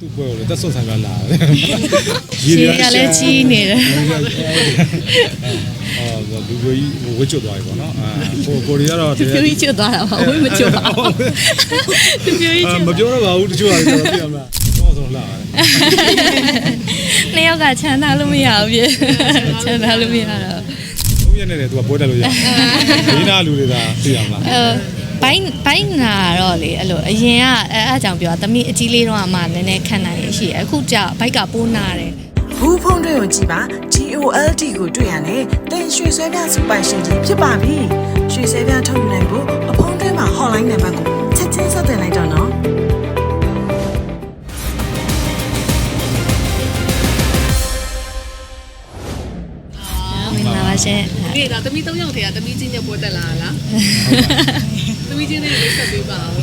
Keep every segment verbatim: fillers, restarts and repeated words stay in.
သူ့ပွဲကိုလည်းတက်ဆွတ်ဆိုင်ကလာတယ်ရေကလည်းကြီးနေတယ်အော်လူကြီးဝစ်ကျွတ်သွားပြီပေါ့နော်အဲကိုကိုရီကတော့သူပြိုကြီးကျွတ်သွားတာပါဝိမကျွတ်ပါဘူးသူပြိုကြီးကျွတ်မပြောတော့ပါဘူးတချို့ဟာတွေတော့ပြရမှာတော့ဆိုလာတယ်နှစ်ယောက်ကချမ်းသာလို့မရဘူးပြချမ်းသာလို့မရတော့သုံးရက်နဲ့တည်းသူကပွဲတက်လို့ရဒီနာလူတွေကသိရမှာအဲဘိုင်းဘိုင်းနာတော့လေအဲ့လိုအရင်ကအဲအားကြောင့်ပြောတာသမီးအကြီးလေးတော့အမှနည်းနည်းခံနိုင်ရရှိအခုကျဘိုက်ကပိုးနာတယ်ဘူးဖုံးတွေကိုကြည့်ပါ G O L D ကိုတွေ့ရတယ်တင်ရွှေဆွဲပြစူပိုင်ရှင်ကြီးဖြစ်ပါပြီရွှေဆွဲပြထုတ်နိုင်ဖို့အဖုံးတွေမှာ hotline နံပါတ်ကိုချက်ချင်းဆက်သွယ်လိုက်တော့နော်မင်္ဂလာပါရှင်ဒီဒါသမီးသုံးယောက်ထဲကသမီးချင်းနဲ့ပွဲတက်လာလားသမီးချင်းနဲ့မိတ်ဆက်ပေးပါဦး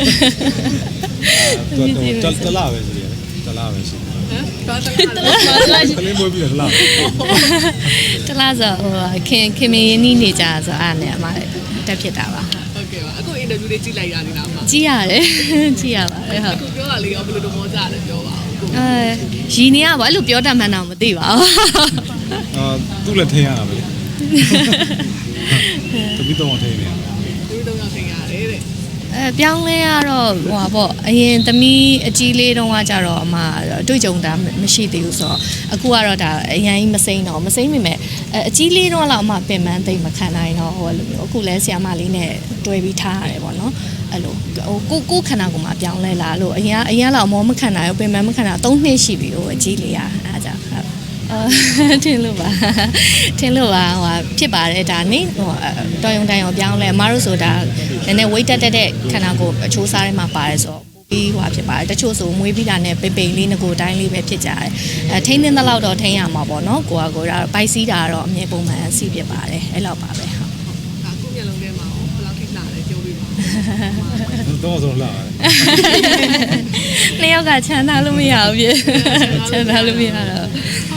တော်တလားပဲရှိတယ်တလားပဲရှိတယ်ဟမ်ဘာတလားကလေးမွေးပြီးတော့တလားတလားဆိုဟိုခင်ခင်မင်းနီးနေကြဆိုအားနဲ့အမတက်ဖြစ်တာပါဟုတ်ကဲ့ပါအခုအင်တာဗျူးလေးကြည့်လိုက်ရနေတာပါကြည့်ရတယ်ကြည့်ရပါတယ်ဟုတ်အခုပြောတာလေးရောဘယ်လိုတော့မောကြလဲပြောပါဦးအဲရီနေရပါအဲ့လိုပြောတတ်မှန်းတော့မသိပါဘူးအာသူ့လည်းထင်ရတာပဲတပီတော့ထင်နေရသူတို့တော့ထင်ရတယ်တဲ့အဲပြောင်းလဲရတော့ဟိုပါပေါ့အရင်သမီးအကြီးလေးတုန်းကကြတော့အမတွေ့ကြုံတာမရှိသေးဘူးဆိုတော့အခုကတော့ဒါအရင်မစိမ့်တော့မစိမ့်မိမဲ့အကြီးလေးတုန်းကတော့အမပင်ပန်းသိမ့်မခံနိုင်တော့ဟိုလိုမျိုးအခုလဲဆီယာမလေးနဲ့တွဲပြီးထားရတယ်ပေါ့နော်အဲ့လိုဟိုကိုကိုခန္ဓာကိုယ်မှာပြောင်းလဲလာလို့အရင်အရင်တော့မောမခံနိုင်ဘူးပင်ပန်းမခံနိုင်သုံးနှစ်ရှိပြီဟိုအကြီးလေးอ่ะအားကြောင့်ဟုတ်အဲထင်လို့ပါထင်လို့ပါဟိုဖြစ်ပါတယ်ဒါနေဟိုတော်ရုံတန်ရုံပြောင်းလဲအမတို့ဆိုတာနည်းနည်း weight တက်တဲ့ခန္ဓာကိုယ်အချိုးစားထဲမှာပါတယ်ဆိုတော့ပြီးဟိုဖြစ်ပါတယ်တချို့ဆိုမွေးပြီးတာနဲ့ပိပိန်လေးငကိုတိုင်းလေးပဲဖြစ်ကြတယ်အဲထိန်းသိမ်းတဲ့လောက်တော့ထိန်းရမှာပေါ့နော်ကိုကကိုဒါပိုက်စီးတာတော့အမြဲပုံမှန်စီးဖြစ်ပါတယ်အဲ့လောက်ပါပဲဟုတ်ဒါခုမျက်လုံးထဲမှာဘယ်လောက်ထိလာလဲပြောပြပါတော့ဆိုလာတယ်နှစ်ယောက်ကချမ်းသာလို့မရဘူးပြချမ်းသာလို့မရတော့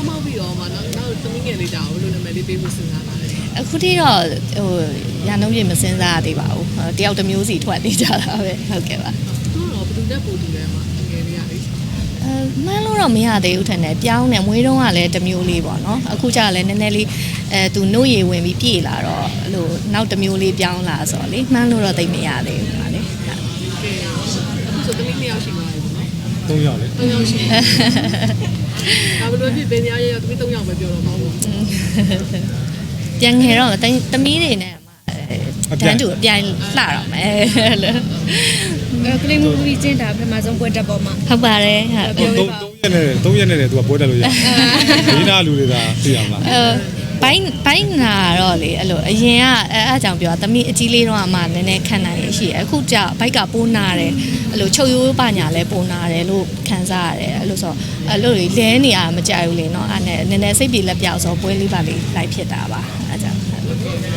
ပေးဖို့စဉ်းစားပါလေအခုထိတော့ဟိုရန်နှုံးပြမစဉ်းစားရသေးပါဘူးတယောက်တစ်မျိုးစီထွက်နေကြတာပဲဟုတ်ကဲ့ပါသူတော့ဘယ်သူနဲ့ပို့တူလဲမှာငယ်လေးရလေးအဲမှန်းလို့တော့မရသေးဘူးထင်တယ်ပြောင်းနေမွေးတုံးကလည်းတစ်မျိုးလေးပေါ့နော်အခုကျလည်းနည်းနည်းလေးအဲသူနှုတ်ရည်ဝင်ပြီးပြေလာတော့အဲ့လိုနောက်တစ်မျိုးလေးပြောင်းလာဆိုတော့လေမှန်းလို့တော့သိမရသေးဘူးပါလေဟုတ်ကဲ့အခုဆိုသမီးနှစ်ယောက်ရှိပါပြီပေါ့နော်သုံးယောက်လေသုံးယောက်ရှိဒါဘယ်လိုဖြစ်ဘယ်နေရာရောက်သမီးသုံးယောက်ပဲပြောတော့မဟုတ်ဘူးပြန်ငယ်တော့သမီးတွေနဲ့တန်းတူအပြိုင်လှတော့မယ်လို့ကလေးမှုကြီးကျင်းတာပထမဆုံးပွဲတက်ပေါ်မှာဟုတ်ပါတယ်ဟုတ်သုံးရက်နဲ့သုံးရက်နဲ့တည်းသူကပွဲတက်လို့ရဒီနာလူတွေကသိရမှာအဲဘိုင်းဘိုင်းနာတော့လေအဲ့လိုအရင်ကအဲအားကြောင့်ပြောသမီးအကြီးလေးတော့အမှနည်းနည်းခံနိုင်ရရှိအခုကျဘိုက်ကပိုးနာတယ်အဲ့လိုချုပ်ရိုးပညာလဲပိုးနာတယ်လို့ခံစားရတယ်အဲ့လိုဆိုအဲ့လိုလဲနေရမကြိုက်ဘူးလေနော်အဲ့နဲ့နည်းနည်းစိတ်ပြေလက်ပြောက်ဆိုပွဲလေးပါလေးလိုက်ဖြစ်တာပါအဲ့ကြောင့်လူ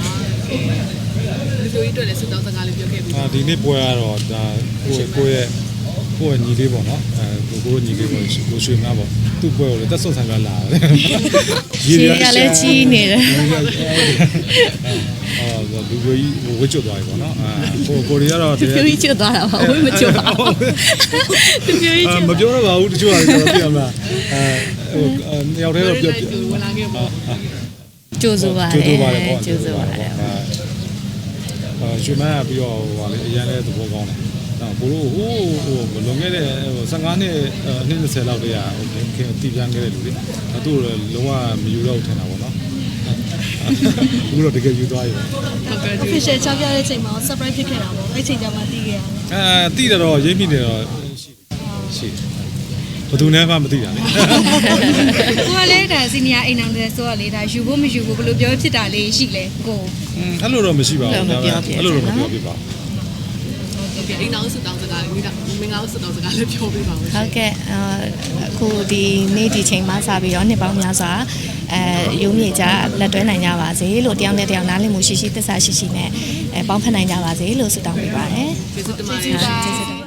တို့ကြီးတွေ့လဲစတောင်းစကားလေးပြောခဲ့ပြီအာဒီနေ့ပွဲကတော့ဒါကိုကိုရဲ့ကိုရဲ့ညီလေးပေါ့နော်အဲကိုကိုညီလေးပေါ့ကိုရွှေမပေါ့သူ့ပွဲကိုလည်းတက်ဆွတ်ဆိုင်ကလာတယ်ရေကလည်းကြီးနေတယ်အော်လူကြီးဝစ်ကျွတ်သွားပြီပေါ့နော်အဲကိုကိုရီကတော့သူပြိုကြီးကျွတ်သွားတာပါဝိမကျွတ်ပါဘူးသူပြိုကြီးကျွတ်မပြောတော့ပါဘူးတချို့ဟာတွေတော့ပြရမှာအဲဟိုနှစ်ယောက်တည်းတော့ပြောဝင်လာခဲ့ပေါ့ကျိုးစိုးပါတယ်ကျိုးစိုးပါတယ်ပေါ့ကျိုးစိုးပါတယ်အဲရွှေမန်းကပြီးတော့ဟိုလေအရင်လည်းသဘောကောင်းတယ်နော်ကိုတို့ဟိုဟိုမလွန်ခဲ့တဲ့ဆယ်ငါးနှစ်အနှစ်၂၀လောက်တည်းကဟိုခင်တီးပြန်ခဲ့တဲ့လူတွေအဲသူ့လုံးဝမယူတော့ထင်တာပေါ့နော်အခုတော့တကယ်ယူသွားပြီဟုတ်ကဲ့ official ချပြတဲ့အချိန်မှာ surprise ဖြစ်ခဲ့တာပေါ့အဲ့ချိန်ကျမှတီးခဲ့ရတယ်အဲတီးတော့ရိပ်မိနေတော့ရှိရှိဘယ်သူနဲ့မှမသိတာလေကိုကလည်းဒါစီနီယာအိမ်အောင်တဲ့ဆိုတော့လေဒါယူဖို့မယူဖို့ဘယ်လိုပြောဖြစ်တာလေးရှိလဲကိုအဲ့လိုတော့မရှိပါဘူးဒါပေမဲ့အဲ့လိုတော့မပြောပြပါဘူးအိမ်အောင်စတောင်းစကားလေးမိတာမင်္ဂလာစတောင်းစကားလေးပြောပြပါဦးဟုတ်ကဲ့အခုဒီနေ့ဒီချိန်မှစပြီးတော့နှစ်ပေါင်းများစွာအဲရုံးမြေကြလက်တွဲနိုင်ကြပါစေလို့တယောက်နဲ့တယောက်နားလည်မှုရှိရှိသစ္စာရှိရှိနဲ့အဲပေါင်းဖက်နိုင်ကြပါစေလို့ဆုတောင်းပေးပါတယ်ကျေးဇူးတင်ပါတယ်